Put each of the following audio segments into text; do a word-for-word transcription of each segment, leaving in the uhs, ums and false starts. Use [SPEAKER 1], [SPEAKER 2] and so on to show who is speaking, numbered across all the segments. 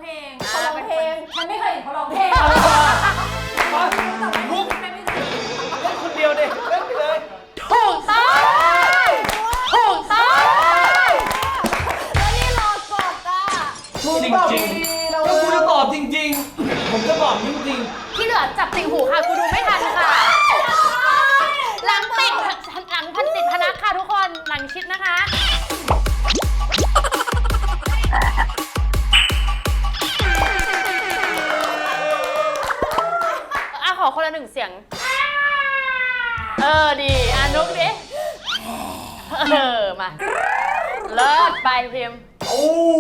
[SPEAKER 1] ลง
[SPEAKER 2] เขาร้องเพลง
[SPEAKER 1] ฉันไม่เคยเห็นเขาร้องเพลง
[SPEAKER 3] มุกเล่นคนเดียวดิเล่นไปเลย
[SPEAKER 2] ถูกต้องถูกต้องแล้วนี่รอกดอ่ะ
[SPEAKER 3] จริงจริงก็กูจะตอบจริงๆผมจะตอบจริง
[SPEAKER 2] ที่เหลือจับติ่งหูค่ะกูดูไม่ทันค่ะหลังติดหลังพันติดพนักค่ะทุกคนหลังชิดนะคะอ่ะขอคนละหนึ่งเสียงเออดีอ่ะนุกดิเออมาเลิศไปพิมพ์
[SPEAKER 3] ๆโอ้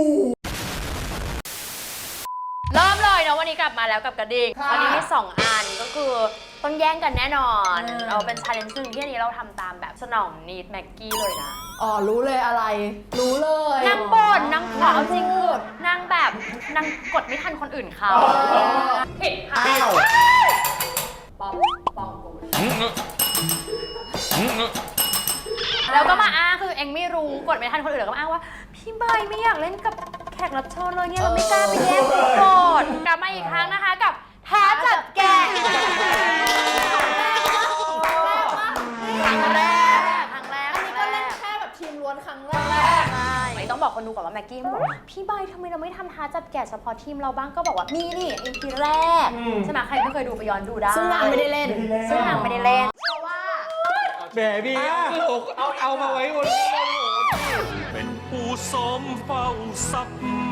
[SPEAKER 2] เริ่มเลยนะวันนี้กลับมาแล้วกับกระดิ่งวันนี้มีสองอันก็คือต้องแย่งกันแน่นอนเราเป็น challenge ซึ่งที่อันนี้เราทำตามแบบสนองนีดแม็กกี้เลยนะ
[SPEAKER 1] อ๋อรู้เลยอะไร รู้เลย
[SPEAKER 2] นางบ่นนางขอเอาจริงคือนางแบบนางกดไม่ทันคนอื่นเขาผิดค่ะปอมปอมกูแล้วก็มาอ้างคือเองไม่รู้กดไม่ทันคนอื่นแล้วก็มาอ้างว่าพี่ใบไม่อยากเล่นกับแขกรับเชิญเลยเนี่ยเราไม่กล้าไปแย่งคนกดกลับมาอีกครั้งนะคะกับท้าจับแกะครั้งแรกครั้งแรก
[SPEAKER 1] อันนี้ก็เล่นแค่แบบทีมล้วนครั้งแรก
[SPEAKER 2] ใช่ต้องบอกคนดูก่อนว่าแม็กกี้บอกพี่ใบทำไมเราไม่ทำท้าจับแกะเฉพาะทีมเราบ้างก็บอกว่านี่นี่ อี พี แรกใช่ไหมใครไม่เคยดูไปย้อนดูได้
[SPEAKER 1] ซึ่งนางไม่ได้เล่น
[SPEAKER 2] ซึ่งนางไม่ได้เล่นเพราะว่า
[SPEAKER 3] แหมบีเอาเอามาไว้บน
[SPEAKER 4] เป็นผู้สมเฝ้าทรัพย์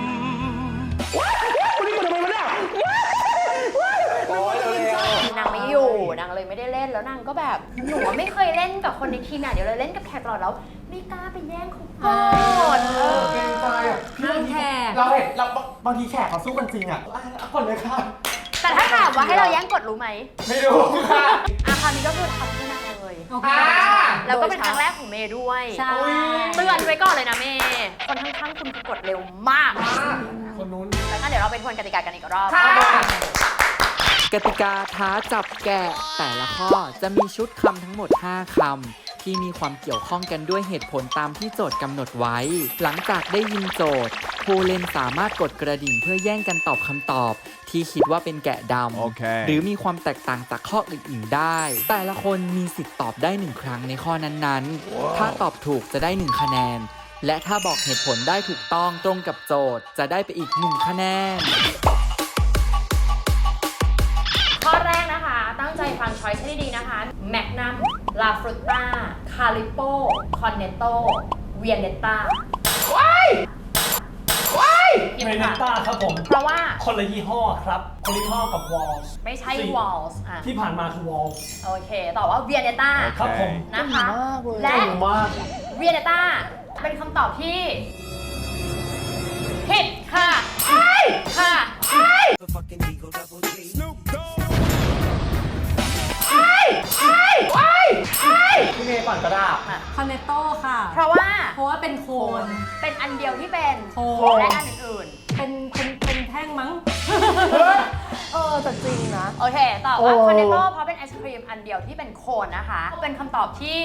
[SPEAKER 2] นางไม่อยู่นางเลยไม่ได้เล่นแล้วนางก็แบบหนูไม่เคยเล่นกับคนในทีมน่ะเดี๋ยวเลยเล่นกับแขกตลอดแล้วไม่กล้าไปแย่งเขาก่อนเออ
[SPEAKER 3] เกรงใจอ่ะ
[SPEAKER 1] พี่แขก
[SPEAKER 3] เราเห็นเราบางทีแขกเขาสู้กันจริงอ่ะเอาก่อนเลยค่ะ
[SPEAKER 2] แต่ถ้าถามว่าให้เราแย่งกดรู้ไหม
[SPEAKER 3] ไม่รู้ค่ะ
[SPEAKER 2] อ่ะคราวนี้ก็คือทำเพื่อนางเลย
[SPEAKER 1] โอเค
[SPEAKER 2] แล้วก็เป็นครั้งแรกของเมย์ด้วย
[SPEAKER 1] ใช่
[SPEAKER 2] เตือนไว้ก่อนเลยนะเมย์คนข้างๆคุณคือกดเร็วมาก
[SPEAKER 3] คนนู้น
[SPEAKER 2] แล้วก็เดี๋ยวเราไปทวนกติกากันอีกรอบ
[SPEAKER 5] กติกาท้าจับแกะแต่ละข้อจะมีชุดคำทั้งหมดห้าคำที่มีความเกี่ยวข้องกันด้วยเหตุผลตามที่โจทย์กำหนดไว้ หลังจากได้ยินโจทย์ผู้เล่นสามารถกดกระดิ่งเพื่อแย่งกันตอบคำตอบ ที่คิดว่าเป็นแกะดำหรือมีความแตกต่างจากข้ออื่นๆได้ แต่ละคนมีสิทธิ์ตอบได้หนึ่งครั้งในข้อนั้นๆ ถ้าตอบถูกจะได้หนึ่งคะแนน และถ้าบอกเหตุผลได้ถูกต้องตรงกับโจทย์จะได้ไปอีกหนึ่งคะแนน
[SPEAKER 2] ข้อแรกนะคะ ตั้งใจฟังช้อยส์ให้ดีๆนะคะแมกนัมลาฟรุต้าคาลิโปคอนเนตโตเวียเนต้าว้ายว้าย
[SPEAKER 6] เวเนต้าครับผม
[SPEAKER 2] เพราะว่า
[SPEAKER 6] คนละยี่ห้อครับ คนละยี่ห้อกับวอลส์
[SPEAKER 2] ไม่ใช่วอลส์อ่ะ
[SPEAKER 6] ที่ผ่านมาคือวอลส์
[SPEAKER 2] โอเคตอบว่าเวียเนต้า
[SPEAKER 6] ครับผม
[SPEAKER 2] นะคะ
[SPEAKER 3] เก่
[SPEAKER 2] และ
[SPEAKER 3] งมาก
[SPEAKER 2] เวียเนต้าเป็นคำตอบที่ผิดค่ะค่ะ
[SPEAKER 3] พี่เมย์ก่อนก็ได้
[SPEAKER 1] คอนเนตโต้ค่ะ
[SPEAKER 2] เพราะว่า
[SPEAKER 1] เพราะว่าเป็นโคน
[SPEAKER 2] เป็นอันเดียวที่เป็น
[SPEAKER 1] โคน
[SPEAKER 2] และอันอื่น
[SPEAKER 1] เป็นเป็นเป็นแท่งมั้ง เออแต่จริงนะ
[SPEAKER 2] ๆ โอเคตอบว่าคอนเนตโตเพราะเป็นไอศครีมอันเดียวที่เป็นโคนนะคะ เป็นคำตอบที่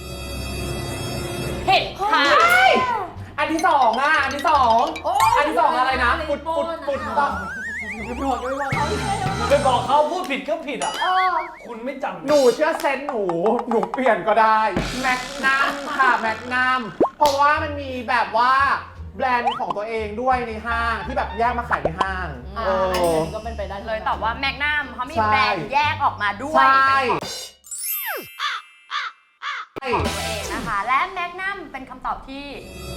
[SPEAKER 2] ผิดค่ะ
[SPEAKER 3] อันที่สองอ่ะ อันที่สองอันที่สองอะไรนะปุดปุดปุดต่อ
[SPEAKER 6] ไปบอกเขาพูดผิดก็ผิดอ่ะคุณไม่จำ
[SPEAKER 3] หนูเชื่อเซนส์หนู หนูเปลี่ยนก็ได้ แมกนัมค่ะ แมกนัม เพราะว่ามันมีแบบว่าแบรนด์ของตัวเองด้วยในห้างที่แบบแยกมาขายในห้าง
[SPEAKER 1] อ่า
[SPEAKER 3] เอ
[SPEAKER 1] อัน
[SPEAKER 3] อ
[SPEAKER 1] นี้ก็เป็นไปได้
[SPEAKER 2] เลยตอบว่าแมกนัมเพราะมี
[SPEAKER 3] ใช่
[SPEAKER 2] แบรนด์แยกออกมาด้วย
[SPEAKER 3] ใช่
[SPEAKER 2] เป็นของตัวเองนะคะ และแมกนัมเป็นคำตอบที่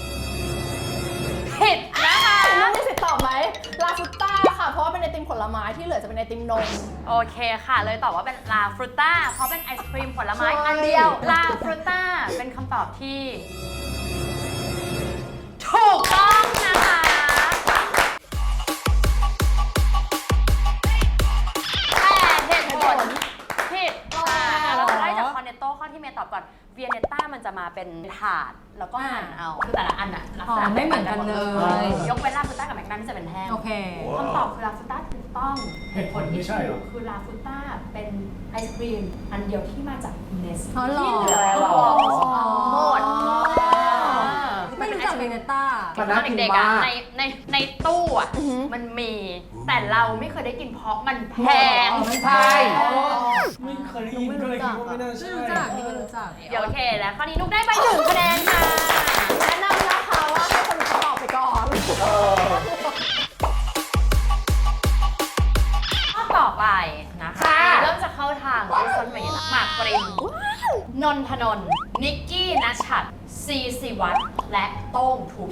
[SPEAKER 2] ผิดนะคะ
[SPEAKER 1] น่ามีสิทธิ์ตอบไหมลาฟุต้าค่ะ เพราะว่าเป็นไอติมผลไม้ที่เหลือจะเป็นไอติมนม
[SPEAKER 2] โอเคค่ะ เลยตอบว่าเป็นลาฟรุต้าเพราะเป็นไอศครีมผลไม้
[SPEAKER 1] ใช่
[SPEAKER 2] อันเดียวลาฟรุต้าเป็นคำตอบที่ถูกต้องนะคะแต่เหตุผลผิดค่ะเราจะได้จากคอนเนตโต้ข้อที่เมย์ตอบก่อนเวียเนต้ามันจะมาเป็นถาดแล้วก็หั่นเอาคือแต่ละอันอะลักษณะ
[SPEAKER 1] อ๋อไม่เหมือนกันเลย
[SPEAKER 2] ยกเว้นลาฟรุต้ากับแมกนัมที่จะเป็นแท่ง
[SPEAKER 1] โอเค
[SPEAKER 2] คำตอบคือลาฟูต้าถูกต้องเหตุผลที่
[SPEAKER 6] ไม่ใช่หรอ
[SPEAKER 2] คือลาฟูต้าเป็นไอศครีมอันเดียวที่มาจากเนส
[SPEAKER 1] อ๋อเหรอ
[SPEAKER 2] ที่เหลือคือวอลส์หมด
[SPEAKER 1] ไม่รู้จักเวเนต้า
[SPEAKER 2] กิน
[SPEAKER 3] มัน
[SPEAKER 2] ต
[SPEAKER 3] น่า
[SPEAKER 2] อน
[SPEAKER 3] กิน
[SPEAKER 2] เด็กๆอะ
[SPEAKER 3] มาก
[SPEAKER 2] ในในในตู้อะ
[SPEAKER 1] อือหือ
[SPEAKER 2] มันมีแต่เราไม่เคยได้กินเพราะมันแพง
[SPEAKER 3] ใช่
[SPEAKER 6] ไม่เคยได้ยินก็เลยคิดว่าไม่น่าใช่
[SPEAKER 1] นี่ก็รู้จัก
[SPEAKER 2] เดี๋ยวโอเคแล้วข้อนี้นุกได้ไปหนึ่งคะแนนค่ะ
[SPEAKER 1] แนะนำนะคะว่าให้คนอื่นเขาตอบไปก่อน
[SPEAKER 3] เออ
[SPEAKER 2] ข้อต่อไปนะคะ
[SPEAKER 3] ค่ะ
[SPEAKER 2] เริ่มจะเข้าทางที่ซอนเวย์หมากปรินนนทนนท์นิกกี้นัชชัดซีซีวัตรและโต้งทูพี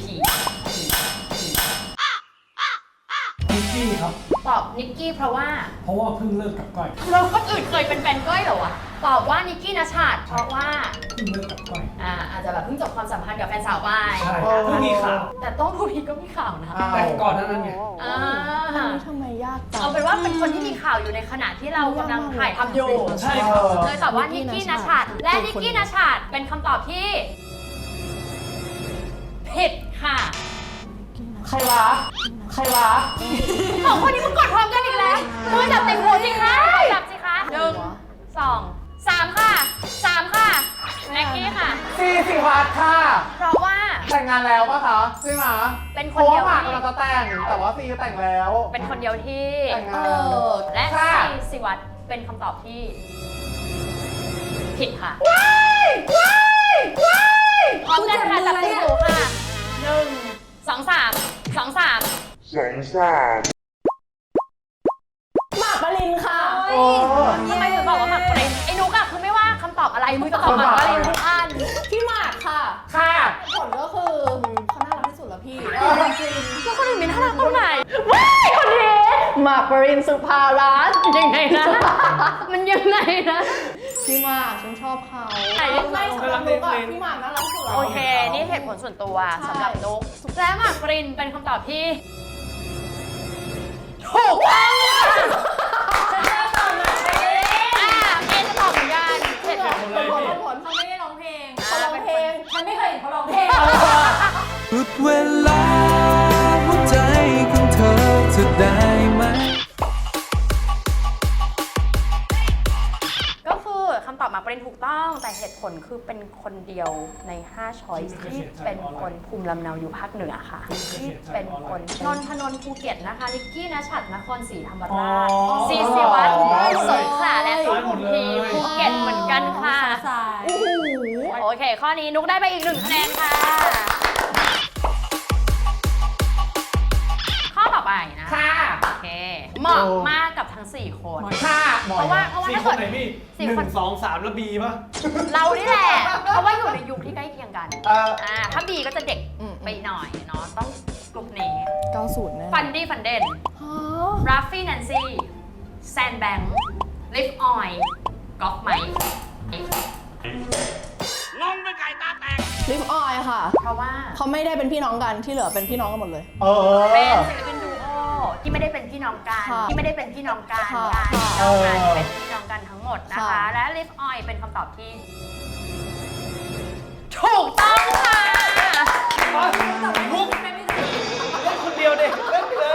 [SPEAKER 6] นิกกี้ครับ
[SPEAKER 2] ตอบนิกกี้เพราะว่า
[SPEAKER 6] เพราะว่าเพิ่งเลิกกับก้อย
[SPEAKER 2] เราคนอื่นเคยเป็นแฟนก้อยเหรอวะตอบว่านิกกี้นัชชัดเพราะว่า
[SPEAKER 6] เพิ่งเลิกกับก้อย
[SPEAKER 2] อ่าอาจจะแบบเพิ่งจบความสัมพันธ์กับแฟนสาวไป
[SPEAKER 6] ใช่เพิ่งมีข่าว
[SPEAKER 2] แต่โต้งทูพีก็มีข่าวนะ
[SPEAKER 3] อ้าว
[SPEAKER 6] แต่ก่อนหนานั้นไง
[SPEAKER 2] อ่า
[SPEAKER 1] อันนี้ทำไมยากจัง
[SPEAKER 2] เอาเป็นว่าเป็นคนที่มีข่าวอยู่ในขณะที่เรากำลังถ่ายทำอยู่
[SPEAKER 6] ใช่ครับ
[SPEAKER 2] เลยตอบว่านิกกี้นัชชัดและนิกกี้นัชชัดเป็นคำตอบที่ผิดค่ะ
[SPEAKER 3] ใครวะ ใครวะ
[SPEAKER 2] สองคนนี้มึงกดพร้อมกันอีกแล้วมือจับติ่งหูสิคะจับสิคะหนึ่งสองสามค่ะสามค่ะแม็กกี้ค่ะ
[SPEAKER 3] ซีสิวัตรค่ะ
[SPEAKER 2] เพราะว่า
[SPEAKER 3] แต่งงานแล้วปะคะใช่ไหม
[SPEAKER 2] เป็นค
[SPEAKER 3] เพ
[SPEAKER 2] น
[SPEAKER 3] ราะ
[SPEAKER 2] เดี
[SPEAKER 3] ว่า
[SPEAKER 2] ยว
[SPEAKER 3] หมาก
[SPEAKER 2] ที่
[SPEAKER 3] กำลังจะแต่ง แต่ว่าซีแต่งแล้ว
[SPEAKER 2] เป็นคนเดียวที่
[SPEAKER 3] แต่งงา
[SPEAKER 1] เอน อ
[SPEAKER 2] และ
[SPEAKER 3] ค่ะ
[SPEAKER 2] ซีสิวัตรเป็นคำตอบที่ผิดค่ะ
[SPEAKER 3] ว้ายว้ายว้าย
[SPEAKER 2] พร้อมกันค่ะจับติ่งหูค่ะหนึ่งสองสามสองสาม
[SPEAKER 1] หมากปรินค่ะ
[SPEAKER 3] โอ้
[SPEAKER 2] ทำไมถึงบอกว่าหมากปรินไอ้นุกอะคือไม่ว่าคำตอบอะไรมึงจะตอบหมากปรินทุกอัน
[SPEAKER 1] พี่หมากค่ะ
[SPEAKER 3] ค่ะ
[SPEAKER 1] ผลก็คือเขาน่ารักที่สุดแล้วพี่จริง
[SPEAKER 2] แล้วคนอื่นมีน่ารักตรงไหนว้ายคนนี้
[SPEAKER 1] หมากปรินสุภารัตน์
[SPEAKER 2] ยังไงนะ มันยังไงนะ
[SPEAKER 1] พี่หมากฉันชอบเขา
[SPEAKER 2] ไหน
[SPEAKER 1] ไม่สำหรับนุกอะพี่หมากน่ารักที่สุดแล้ว
[SPEAKER 2] โอเค นี่เหตุผลส่วนตัว
[SPEAKER 1] ใช่
[SPEAKER 2] สำหรับนุกและหมากปรินเป็นคำตอบที่ถูกต้องค่ะฉันจะตอบหมากปรินอ่าเมย์จะตอบเหมือนกันเหตุผล
[SPEAKER 1] ผลผลผลเขาไม่ได้ร้องเพลงเขาร้องเพลงฉันไม่เคยเห็นเขาร้องเพลง
[SPEAKER 7] หยุดเวลาหัวใจของเธอจะได้ไหม
[SPEAKER 2] ก็คือคำตอบหมากปรินถูกต้อง แต่เหตุผลคือเป็นคนเดียวในห้าช้อยส์ที่เป็นคนภูมิลำเนาอยู่ภาคเหนือค่ะ ที่เป็นคนนนทนนท์ภูเก็ตนะคะลิกกี้นัชชัดนครศรีธรรมราช
[SPEAKER 6] อ๋อ
[SPEAKER 2] ซีซีวัตรสงขลาและสุพรรณบุรีภูเก็ตเหมือนกันค่ะ
[SPEAKER 1] โอ้โห
[SPEAKER 2] โอเค ข้อนี้นุกได้ไปอีกหนึ่งคะแนนค่ะ ข้อต่อไปนะ
[SPEAKER 3] ค่ะ
[SPEAKER 2] โอเค เหมาะมากกับทั้งสี่คน
[SPEAKER 3] ค่ะ
[SPEAKER 2] เพราะว่าเพราะว่า
[SPEAKER 6] สี่
[SPEAKER 2] ถ้า
[SPEAKER 6] คน
[SPEAKER 2] เกิด
[SPEAKER 6] ไหนพี่
[SPEAKER 2] สี่
[SPEAKER 6] หนึ่
[SPEAKER 2] คน
[SPEAKER 6] งสองสามแล้วบีป่ะ
[SPEAKER 2] เรานี่แหละ เพราะว่าอยู่ในยุคที่ใกล้เคียงกัน
[SPEAKER 3] เออ
[SPEAKER 2] อ่า ถ้าบีก็จะเด็ก
[SPEAKER 1] อืม
[SPEAKER 2] ไปหน่อยเนาะ ต้องกลุ่มนี้
[SPEAKER 1] เก้าศูนย์แน่
[SPEAKER 2] ฟันดี้ฟันเดน
[SPEAKER 1] ฮะ
[SPEAKER 2] ราฟฟี่แนนซี่แซนแบงค์ลิฟออยกอล์ฟไมค์
[SPEAKER 1] ลิฟออยค่ะ
[SPEAKER 2] เพราะว่า
[SPEAKER 1] เขาไม่ได้เป็นพี่น้องกันที่เหลือเป็นพี่น้องกันหมดเลย
[SPEAKER 3] เอ
[SPEAKER 2] เป็น
[SPEAKER 3] อ
[SPEAKER 2] ศิลปินดูโอที่ไม่ได้เป็นพี่น้องกัน
[SPEAKER 1] ค่ะ
[SPEAKER 2] ที่ไม่ได้เป็นพี่น้องกัน
[SPEAKER 1] ค่ะ
[SPEAKER 2] การ
[SPEAKER 1] ค่ะ
[SPEAKER 2] พี่น้องกัน
[SPEAKER 3] เออ
[SPEAKER 2] เป็นพี่น้องกันทั้งหมดนะคะ
[SPEAKER 1] ค่ะ
[SPEAKER 2] และลิฟออยเป็นคำตอบที่ ถูกต้องค่ะ
[SPEAKER 6] ลุกเล่นคนเดียวเด็กเล่นไปเลย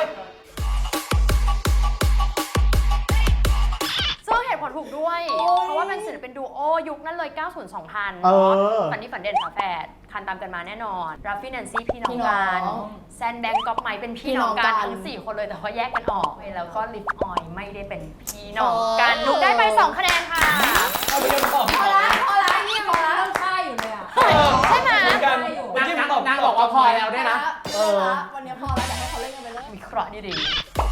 [SPEAKER 2] ซึ่งเหตุผลถูกด้วย เพราะว่าเป็นศิลปินดูโอยุคนั้นเลย เก้าศูนย์ สองพัน
[SPEAKER 3] เออ
[SPEAKER 2] ฝันนี้ฝันเด่นฝาแฝดคันตามกันมาแน่นอนราฟฟี่แนนซี่พี่น้อง
[SPEAKER 1] พี่น้
[SPEAKER 2] กั
[SPEAKER 1] อน ง
[SPEAKER 2] แซนแบงก์ก๊อฟไมค์เป็นพี่น้องกัน
[SPEAKER 1] พี่น้องกัน
[SPEAKER 2] ทั้งสี่คนเลยแต่ว่าแยกกันออก แล้วก็ลิฟออยไม่ได้เป็นพี่น้องกันนุกได้ไปสองคะแนนค่ะ
[SPEAKER 6] เอาไปยังตอบ
[SPEAKER 1] พอละพอละนี่พอละใช่อยู่เลยอ่ะ
[SPEAKER 2] ใช่ไหม
[SPEAKER 6] เหมือนกัน
[SPEAKER 3] นา
[SPEAKER 6] เมื่อง กี้ผมตอบ
[SPEAKER 3] นางบอกว่าพอแล้วด้วยนะ
[SPEAKER 1] เออวันนี้พอแล้วอยากให้เขาเล่นกันไปเลย
[SPEAKER 2] วิเคราะห์ดี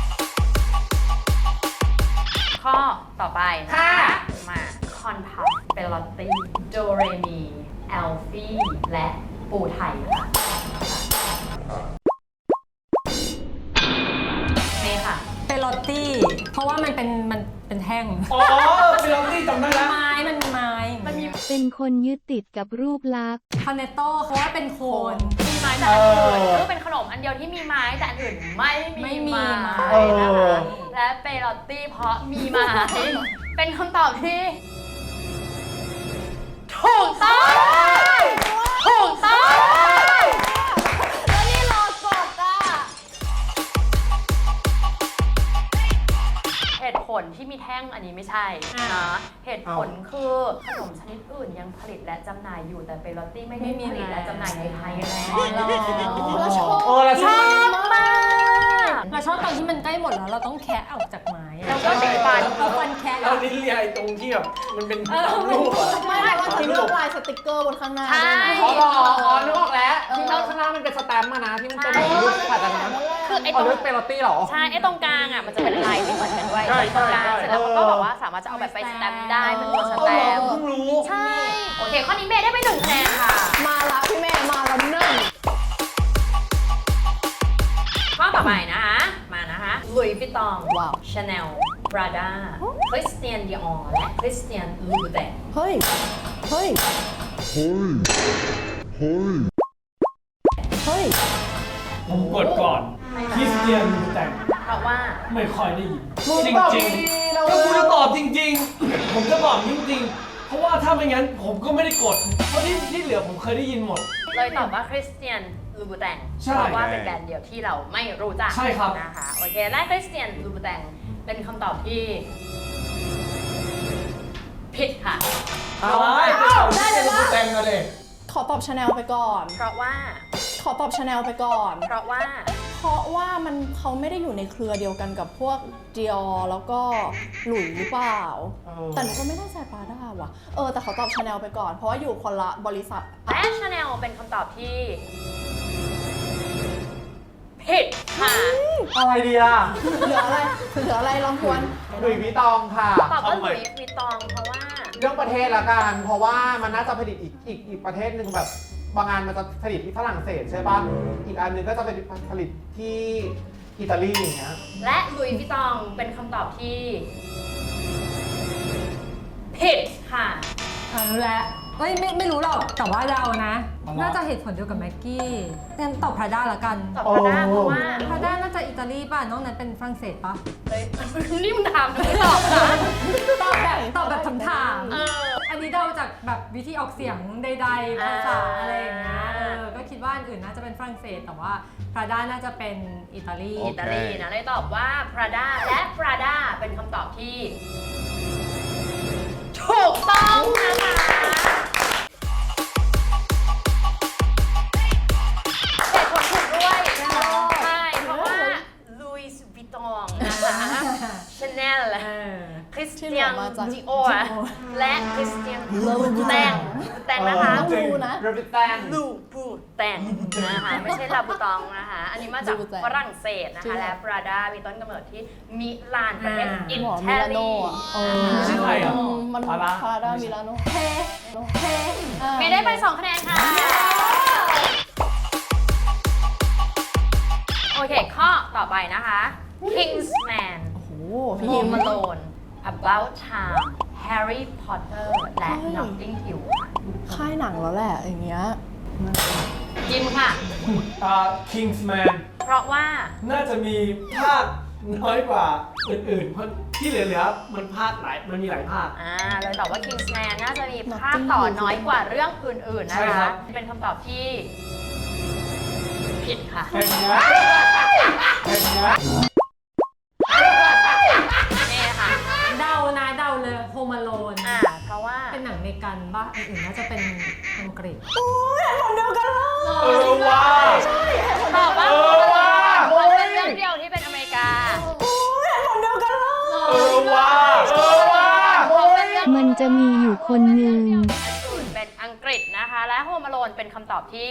[SPEAKER 2] ๆข้อต่อไปนะ
[SPEAKER 3] ค่ะ
[SPEAKER 2] มาคอนพับเปลอตตี้โดเรมีแอลฟี่และปูไทยค่ะเมย์ค่ะ
[SPEAKER 8] เป็นโรตตี้ เพราะว่ามันเป็นมันเป็นแท่ง
[SPEAKER 6] อ๋อเป็นลองที่จำได้แล้ว
[SPEAKER 8] ไม้มันมีไม้
[SPEAKER 2] มันมี
[SPEAKER 9] เป็นคนยึดติดกับรูปลักษณ์
[SPEAKER 8] คอนเนตโต้เพราะว่าเป็นโคน
[SPEAKER 2] มีไม้แต่อันอื่นคือเป็นขนมอันเดียวที่มีไม้แต่อันอื่นไม่
[SPEAKER 8] ไม่
[SPEAKER 2] มี
[SPEAKER 8] มี
[SPEAKER 2] ไม้
[SPEAKER 8] ไม้
[SPEAKER 3] เอ
[SPEAKER 2] นะ
[SPEAKER 3] อ
[SPEAKER 2] คะและเปลอตตี้เพราะมีไม้ เป็นคำตอบที่ถูกต้องถูกต้อง
[SPEAKER 1] แล้วนี่รอกดอ่ะ
[SPEAKER 2] เหตุผลที่มีแท่งอันนี้ไม่ใช่นะเหตุผลคือขนมชนิดอื่นยังผลิตและจำหน่ายอยู่แต่เปโรตี้ไม่ได้ผลิตและจำหน่ายในไทยแล้ว
[SPEAKER 1] เราชอบ
[SPEAKER 3] เออเราช
[SPEAKER 2] ช
[SPEAKER 3] อ
[SPEAKER 2] อ
[SPEAKER 3] บบ
[SPEAKER 2] มาก
[SPEAKER 8] เราชอบตอนที่มันใกล้หมดแล้วเราต้องแคะออกจากไม้อะ
[SPEAKER 2] แล้วก็ติดฟัน
[SPEAKER 8] เอาฟันแคะ
[SPEAKER 6] เราลิ้นเลียไอ้ตรงที่แบบมันเป็นรูปอะ
[SPEAKER 1] ไม่เราจะเลือกลายสติกเกอร์บนข้างหน้า
[SPEAKER 2] ใช่
[SPEAKER 1] ด้วยนะ
[SPEAKER 3] อ๋ออ๋อนึกออกแล้วที่ข้างข้างล่างมันเป็นสแตมป์มานะที่มันเป็นรูปผ่านจากนั้น
[SPEAKER 2] คือไอ้
[SPEAKER 3] อ๋
[SPEAKER 2] ต
[SPEAKER 3] อ
[SPEAKER 2] รง
[SPEAKER 3] เลือกเปโรตี้เหรอ
[SPEAKER 2] ใช่ไอ้ตรงกลางอ่ะมันจะเป็นลายที่เหมือนกันด้วย
[SPEAKER 6] ใช่
[SPEAKER 2] ตรงกลาง
[SPEAKER 6] ใช่
[SPEAKER 2] เสร็จแล้วเขาก็บอกว่าสามารถจะเอาแบบไปสแตมป์ได้เป็นตัวสแตมป์
[SPEAKER 6] เพิ่งรู้
[SPEAKER 2] ใช่ โอเค ข้อนี้เมย์ได้ไปหนึ่งคะแนนค่ะ
[SPEAKER 1] มาละพี่แม่มาละหนึ่ง
[SPEAKER 2] ข้อต่อไปนะคะ มานะคะลุยส์วิตตองชาแนลปราด้าคริสเตียนดิออร์และคริสเตียนลูบูแตง
[SPEAKER 1] เฮ้ย เฮ้ย เฮ้ย
[SPEAKER 6] ผมกดก่อนคริสเตียนแต่ง
[SPEAKER 2] เพราะว่า
[SPEAKER 6] ไม่ค่อยได้ยิน
[SPEAKER 3] มึง
[SPEAKER 6] จ
[SPEAKER 3] ตอบ
[SPEAKER 6] ริง
[SPEAKER 3] ดี
[SPEAKER 6] ๆ
[SPEAKER 3] ๆเรา
[SPEAKER 6] ก็คุณจะตอบจริง ๆ ผมจะตอบจริงๆ เพราะว่าถ้าไม่งั้นผมก็ไม่ได้กด เพราะที่ที่เหลือผมเคยได้ยินหมด
[SPEAKER 2] เลยตอบว่าคริสเตียนลูบูแตง
[SPEAKER 6] ใช่
[SPEAKER 2] เพราะว่าเป็นแบรนด์เดียวที่เราไม่รู้จัก
[SPEAKER 6] ใช่ครับ
[SPEAKER 2] นะคะ โอเค และคริสเตียนลูบูแตงเป็นคำตอบที่ผิดค่ะ
[SPEAKER 6] อะไรได้เลยว่าแต่งมาเลย
[SPEAKER 1] ขอตอบชาแนลไปก่อน
[SPEAKER 2] เพราะว่า
[SPEAKER 1] ขอตอบชาแนลไปก่อน
[SPEAKER 2] เพราะว่า
[SPEAKER 1] เพราะว่ามันเขาไม่ได้อยู่ในเครือเดียวกันกับพวกเดียแล้วก็หลุยหรือเปล่า แต่หนูก็ไม่ได้ใส่ปาด้าว่ะ เออ แต่ขอตอบชาแนลไปก่อน เพราะว่าอยู่คนละบริษัท
[SPEAKER 2] และชาแนลเป็นคำตอบที่ผิดค่ะ
[SPEAKER 3] อะไรดีอ่ะ
[SPEAKER 1] เหลืออะไร เหลืออะไรลองทวน
[SPEAKER 3] หลุยส์วิตตองค่ะ
[SPEAKER 2] ตอบว่าหลุยส์วิตตองเพราะว่า
[SPEAKER 3] เรื่องประเทศละกัน เพราะว่ามันน่าจะผลิตอีกอีกอีกประเทศหนึ่งแบบบางงานมันจะผลิตที่ฝรั่งเศสใช่ป่ะ อีกอันหนึงก็จะเป็นผลิตที่อิตาลีอย่างเงี้ย
[SPEAKER 2] และหลุยส์วิตตองเป็นคำตอบที่ผิดค่ะ
[SPEAKER 8] อ่ารู้แล้วเอ้ยไม่ไม่รู้หรอก แต่ว่าเรานะ
[SPEAKER 3] อะไร
[SPEAKER 8] น่าจะเหตุผลเดียวกับแม็กกี้งั้นตอบพราด้าละกัน
[SPEAKER 2] ตอบพราด้าเพราะว่า
[SPEAKER 8] พราด้าน่าจะอิตาลีป่ะ น้องนั้นเป็นฝรั่งเศสป่ะ
[SPEAKER 2] เลยนี่มึงถามหนูไม่ตอบนะ
[SPEAKER 8] ตอบแบบตอบแบบถามถาม
[SPEAKER 2] เออ
[SPEAKER 8] อันนี้เดาจากแบบวิธีออกเสียงใดๆภาษา
[SPEAKER 2] อ่า
[SPEAKER 8] อะไรอย่างเงี้ย เออ ก็คิดว่าอันอื่นน่าจะเป็นฝรั่งเศส แต่ว่าพราด้าน่าจะเป็นอิตาลี
[SPEAKER 2] อิตาลีนะเลยตอบว่า Prada และ Prada เป็นคำตอบที่ ถูกต้องนะคะเหตุผลถูกด้วยใช่เพราะว่า Louis Vuitton นะคะ Chanel
[SPEAKER 8] เออ
[SPEAKER 2] คริส
[SPEAKER 1] ที่
[SPEAKER 2] เตี
[SPEAKER 1] เหลื
[SPEAKER 2] ย
[SPEAKER 1] อน มาจาก
[SPEAKER 2] ดิโอและคริสเตียนลูบูแตงแตงนะคะ
[SPEAKER 1] ต้องรู้นะ
[SPEAKER 3] เรบิแตน
[SPEAKER 2] ลูบูแตงนะคะไม่ใช่ลาบูตองนะคะ อันนี้มาจาก
[SPEAKER 1] ลูบูแตง
[SPEAKER 2] ฝรั่งเศสนะ
[SPEAKER 1] จริง
[SPEAKER 2] คะ
[SPEAKER 1] เหรอ
[SPEAKER 2] และปราดามีต้นกำเนิดที่มิลานประเทศ
[SPEAKER 8] อ่า
[SPEAKER 2] อิ
[SPEAKER 1] หมอ
[SPEAKER 2] ตา
[SPEAKER 1] มิลานโน
[SPEAKER 2] ลี
[SPEAKER 1] อ่ะเออ
[SPEAKER 6] ไม่ใช่ไทยเหรอ
[SPEAKER 1] มัน
[SPEAKER 6] พารา
[SPEAKER 1] พารามิลานโนเฮ้เฮ้อ่ะ
[SPEAKER 2] ไม่ได้ไปสองคะแนนค่ะ โอเค ข้อต่อไปนะคะ Kingsman
[SPEAKER 1] โอ้โหพี่
[SPEAKER 2] Home
[SPEAKER 1] ฮิม
[SPEAKER 2] Alone About Time Harry Potter และ
[SPEAKER 1] เฮ้ย
[SPEAKER 2] Notting Hill
[SPEAKER 1] ค่ายหนังแล้วแหละอย่างเงี้ย
[SPEAKER 2] ยิมค่ะ
[SPEAKER 6] อ่า Kingsman
[SPEAKER 2] เพราะว่า
[SPEAKER 6] น่าจะมีภาคน้อยกว่าอื่นๆ เพราะที่เหลือๆ มันภาคหลาย มันมีหลายภาค
[SPEAKER 2] อ่าเลยตอบว่า Kingsman น่าจะมีภาคต่อน้อยกว่าเรื่องอื่นๆ นะ
[SPEAKER 6] ใช่ครั
[SPEAKER 2] คะ
[SPEAKER 6] บ
[SPEAKER 2] เป็นคำตอบที่ผิดค่ะ
[SPEAKER 6] แข่งเนี้ยแข่งเนี้ย
[SPEAKER 2] นี่ค่ะ
[SPEAKER 8] เดานะเดาเลยโฮมาโลน
[SPEAKER 2] อ่า เพราะว่า
[SPEAKER 8] เป็นหนังเมกันป่ะอันอื่นน่าจะเป็นอังกฤษ
[SPEAKER 6] เออว้า
[SPEAKER 2] ตอบว่า
[SPEAKER 6] เออว่ะ
[SPEAKER 2] มันเป็นเรื่องเดียวที่เป็นอเมริกา
[SPEAKER 6] เออว้าเออว้า
[SPEAKER 9] มันจะมีอยู่คนหนึ่ง
[SPEAKER 2] อื่นเป็นอังกฤษนะคะ และโฮม a โลนเป็นคำตอบที่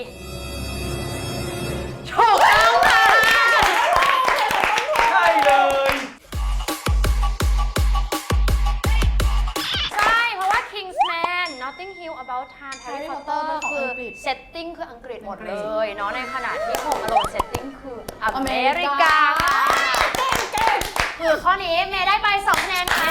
[SPEAKER 2] ถูกต้องค่ะ
[SPEAKER 6] ใช่เลย
[SPEAKER 2] ใช่ เพราะว่า Kingsman Notting Hill About Time Harry
[SPEAKER 1] Harry
[SPEAKER 2] Potter
[SPEAKER 1] Potter
[SPEAKER 2] คือ
[SPEAKER 1] ของอังกฤษ
[SPEAKER 2] เซตติ้งคืออังกฤษหมดเลยเนาะในขณะที่โฮม a โลนเซตติ้งคืออ
[SPEAKER 1] อ
[SPEAKER 2] เม
[SPEAKER 1] เม
[SPEAKER 2] ริ
[SPEAKER 1] ริ
[SPEAKER 2] กาก
[SPEAKER 1] า
[SPEAKER 2] คือข้อนี้เมย์ได้ไปสองคะแนนค่ะ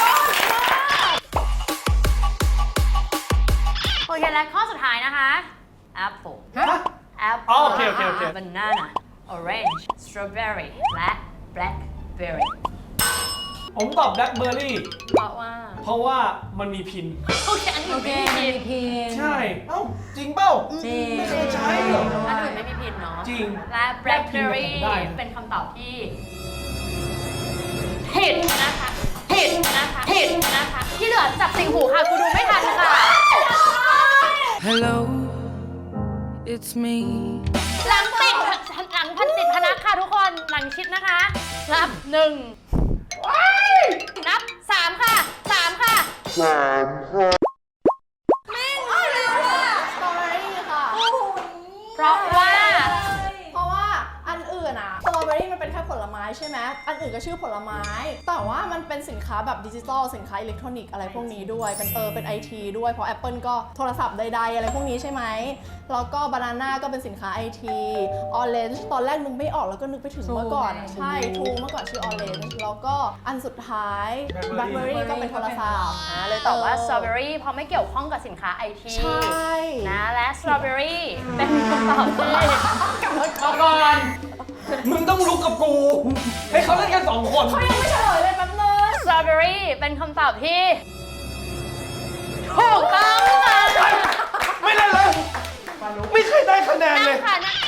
[SPEAKER 2] โอเค และข้อสุดท้ายนะคะ Apple
[SPEAKER 6] ฮะ
[SPEAKER 2] Apple
[SPEAKER 6] อ๋อโอเคโอเคโอเค
[SPEAKER 2] Banana Orange Strawberry และ Blackberry
[SPEAKER 6] ผมตอบแบล็คเบอร์รี่
[SPEAKER 2] เพราะว่า
[SPEAKER 6] เพราะว่ามันมีพิน
[SPEAKER 2] โอเค อันนี้
[SPEAKER 8] โอ
[SPEAKER 2] ไม่
[SPEAKER 8] เค
[SPEAKER 2] มี
[SPEAKER 8] มี
[SPEAKER 2] พิน
[SPEAKER 8] พิน
[SPEAKER 6] ใช่ เอ้า จริงเปล่า
[SPEAKER 8] จริง
[SPEAKER 6] ไม่เคยใช้เหรอ
[SPEAKER 2] อันอื่นไม่มีพินเนาะ
[SPEAKER 6] จริง
[SPEAKER 2] และ Blackberry
[SPEAKER 6] ได้
[SPEAKER 2] เป็นคำตอบที่ผิดนะคะผิดนะคะ ที่เหลือจับสิงหูค่ะ กูดูไม่ทันค่ะ
[SPEAKER 7] Hello it's me
[SPEAKER 2] หลังติดหลังพันติดพนักค่ะทุกคน หลังชิดนะคะ นับหนึ่งนับสามค่ะสามค่ะ
[SPEAKER 1] สตรอเบอรี่ค่ะ
[SPEAKER 2] เพราะว่า
[SPEAKER 1] เพราะว่าอันอื่นอะสตรอเบอรี่มันเป็นแค่ผลไม้ใช่ไหมอันอื่นก็ชื่อผลไม้ แต่ว่ามันเป็นสินค้าแบบดิจิตอลสินค้าอิเล็กทรอนิกส์อะไรพวกนี้ด้วยเป็นเออเป็นไอทีด้วยเพราะ Apple ก็โทรศัพท์ใดๆอะไรพวกนี้ใช่ไหมแล้วก็บานาน่าก็เป็นสินค้าไอทีออเรนจ์ตอนแรกนึกไม่ออกแล้วก็นึกไปถึงเมื่อก่อนอะใช่ทูเมื่อก่อนชื่อออเรนจ์แล้วก็อันสุดท้ายแบล็คเบอรี่ก็เป็นโทรศัพท์
[SPEAKER 2] อ่าเลยตอบว่าสตรอเบอรี่เพราะไม่เกี่ยวข้องกับสินค้าไอที
[SPEAKER 1] ใช่
[SPEAKER 2] นะและสตรอเบอรี่เป็นคำตอบที่
[SPEAKER 6] มาก่อน มึงต้องลุกกับกู ให้เขาเล่นกันสองคน
[SPEAKER 1] เขายังไม่เฉลยเลยแป๊บนึง
[SPEAKER 2] สตรอเบอรี่เป็นคำตอบที่ถูกต้องค่ะ
[SPEAKER 6] ไม่เล่นเลย ไม่เคยได้คะแนนเล
[SPEAKER 2] นั่
[SPEAKER 6] ย
[SPEAKER 2] งค่ะนั่ง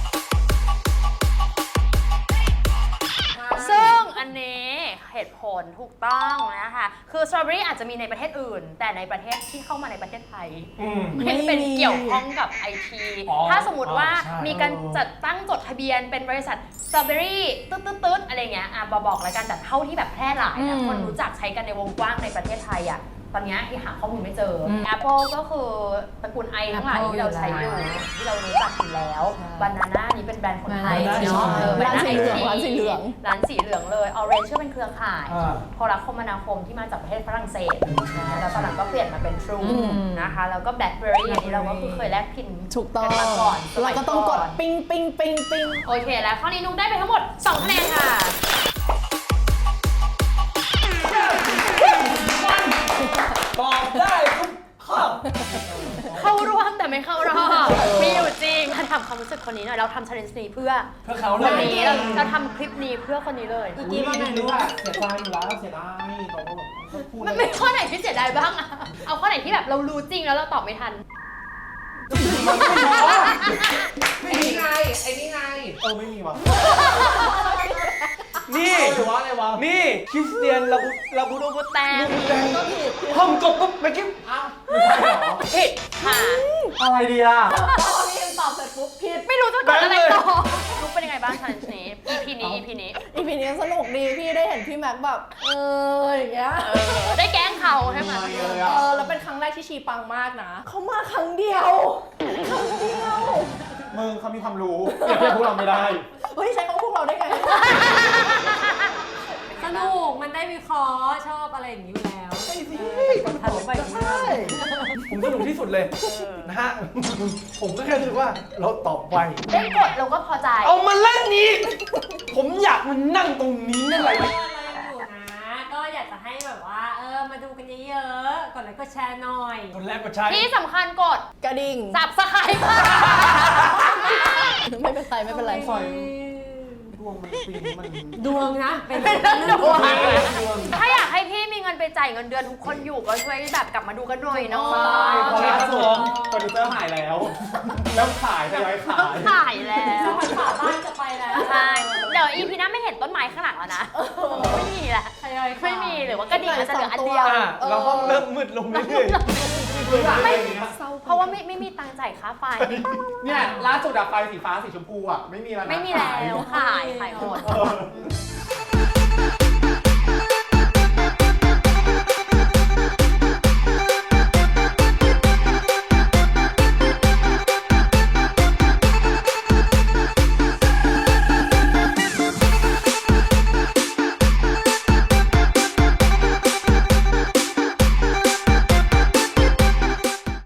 [SPEAKER 2] ซึ่งอันนี้เหตุผลถูกต้องนะคะคือสตรอเบอรี่อาจจะมีในประเทศอื่น แต่ในประเทศที่เข้ามาในประเทศไทย
[SPEAKER 6] อืม
[SPEAKER 2] ไม่เป็นเกี่ยวข้องกับไอที
[SPEAKER 6] อ๋อ
[SPEAKER 2] ถ้าสมมติว่า
[SPEAKER 6] ใช่
[SPEAKER 2] มีการจัดตั้งจดทะเบียนเป็นบริษัทสตรอเบอรี่ตึ๊ดตึ๊ดตึ๊ดอะไรเงี้ยอ่ะบอกบอกแล้วกันแต่เท่าที่แบบแพร่หลายนะคนรู้จักใช้กันในวงกว้างในประเทศไทยอ่ะตอนนี้ที่หาข้อมูลไม่เจออ Apple ก็คือตระกูลไอทั้งหลายที่เราใช้อยู่ที่เรารู้จักอยู่แล้วบานาน่านี้เป็นแบรนด์คนไทย
[SPEAKER 6] Banana
[SPEAKER 2] เนาะเออ
[SPEAKER 1] ร้านสีเหลือง
[SPEAKER 2] Banana
[SPEAKER 1] ร้านสีเหลือง
[SPEAKER 2] ร้านสีเหลืองเลย Orange ก็เป็นเครือข่าย
[SPEAKER 6] อ่า
[SPEAKER 2] โทรคมนาคมที่มาจากประเทศฝรั่งเศสนะแล้วตอนหลังก็เปลี่ยนมาเป็น True นะคะแล้วก็ BlackBerry อันนี้เราก็คือเคยแลกพิน
[SPEAKER 1] ถูกต้อง
[SPEAKER 2] กันมาก่อนสมั
[SPEAKER 1] เรา
[SPEAKER 2] ย
[SPEAKER 1] ก็ต้องกด
[SPEAKER 2] น
[SPEAKER 1] ปิ้งปิ้งปิ้งปิ้ง
[SPEAKER 2] โอเคแล้วข้อนี้นุ๊กได้ไปทั้งหมดสองคะแนนค่ะ
[SPEAKER 6] ตอบได้ทุกข้อ
[SPEAKER 2] เข้ารอบแต่ไม่เข้ารอบมีอยู่จริงถ้าทำความรู้สึกคนนี้หน่อยเราทำ challenge นี้เพื่อ
[SPEAKER 6] เพื่อเขาเล
[SPEAKER 2] วัน
[SPEAKER 6] ย
[SPEAKER 2] นี้เราเราทำคลิปนี้เพื่อคนนี้เลย
[SPEAKER 3] อีกทีว่าไงรู้ว่าเสียใจอยู่แล้วเสียดายเขาก็แบบพูด
[SPEAKER 2] มันไม่ข้อไหนที่เสียดายบ้างอะเอาข้อไหนที่แบบเรารู้จริงแล้วเราตอบไม่ทัน
[SPEAKER 3] ไอ้นี่ไงไอ้นี่ไงเออไม่มีวะ
[SPEAKER 6] นี่
[SPEAKER 3] หรือว่าอะไรวะ
[SPEAKER 6] นี่คริสเตียนลาบูลาบู
[SPEAKER 2] รูบูแตง
[SPEAKER 6] ลูบูแดงห้องกบปุ๊บเมื่อกี้
[SPEAKER 3] อ้าวไม่ใช่เหรอ
[SPEAKER 2] ผิดค่ะ
[SPEAKER 3] อะไรดีอ่ะ
[SPEAKER 1] พอพี่ตอบเสร็จปุ๊บผิด
[SPEAKER 2] ไม่รู้จะกดอะไรต่อนุ๊กเป็นยังไงบ้าง challenge นี้ อี พี นี้ อี พี นี้
[SPEAKER 1] อีพีนี้สนุกดีพี่ได้เห็นพี่แม็กแบบเอออย่างเงี้ย
[SPEAKER 2] เออได้แกล้งเขาใช่ไหม
[SPEAKER 3] ไม่เลย
[SPEAKER 1] เอ
[SPEAKER 3] อ่ะ
[SPEAKER 1] อแล้วเป็นครั้งแรกที่ชีปังมากนะเขามาครั้งเดียวครั้งเดียว
[SPEAKER 3] มึงเขามีความรู้เปรียบเทียบพวกเราไม่ได้
[SPEAKER 1] เฮ้ยใช้ของพวกเราได้ไง
[SPEAKER 8] สนุก มันได้วิเคราะห์ชอบอะไรอย่างนี้อยู่แล้วใช่สิทันไปอย่างนี้
[SPEAKER 1] ใช่
[SPEAKER 6] ผมสนุกที่สุดเลยนะฮะ ผมก็แค่รู้สึกว่าเราตอบไว
[SPEAKER 2] ได้กดเราก็พอใจ
[SPEAKER 6] เอามาเล่นนี้ผมอยากมานั่งตรงนี้นั่นแหละ
[SPEAKER 8] เรายังอยู่นะ ก็อยากจะให้แบบว่า เออ มาดูกันเยอะๆ กดไลค์กดแชร์หน่อย
[SPEAKER 6] คนแรกก็ใช่
[SPEAKER 2] ที่สำคัญกด
[SPEAKER 1] กระดิ่ง
[SPEAKER 2] สับสไครต์ค่ะ
[SPEAKER 1] ไม่เป็นไรไม่เป็นไร
[SPEAKER 3] ปล่อย ดวงมันปีนี้มัน
[SPEAKER 8] ดวงนะ เป็น
[SPEAKER 2] เป็นเรื่องดวง
[SPEAKER 3] ดวง
[SPEAKER 2] ถ้าอยากให้พี่มีเงินไปจ่ายเงินเดือนทุกคนอยู่ก็ช่วยแบบกลับมาดูกันหน่อยเนาะ
[SPEAKER 3] ใช่เพราะล่าสุดโปรดิวเซอร์หายแล้ว แล้วขายทยอยขาย
[SPEAKER 2] ขายแล้ว
[SPEAKER 8] ฝาบ้านจะไปแล้ว
[SPEAKER 2] ใช่ เดี๋ยวอีพีหน้าไม่เห็นต้นไม้ข้างหลังแล้วนะ ไม่มีละ
[SPEAKER 8] ทยอยขาย
[SPEAKER 2] ไม่มีหรือว่ากระดิ่งมันจะเหลืออันเดียว
[SPEAKER 6] อ่ะแล้วห้องเริ่มมืดลงเรื่อย
[SPEAKER 2] ไม่เพราะว่าไม่ไม่มีตังค์จ่ายค่าไฟ
[SPEAKER 3] เนี่ยล่าสุดอะไฟสีฟ้าสีชมพูอะไม่มีแล้วนะ
[SPEAKER 2] ไม่มีแล้วขายขายหมด
[SPEAKER 3] เออ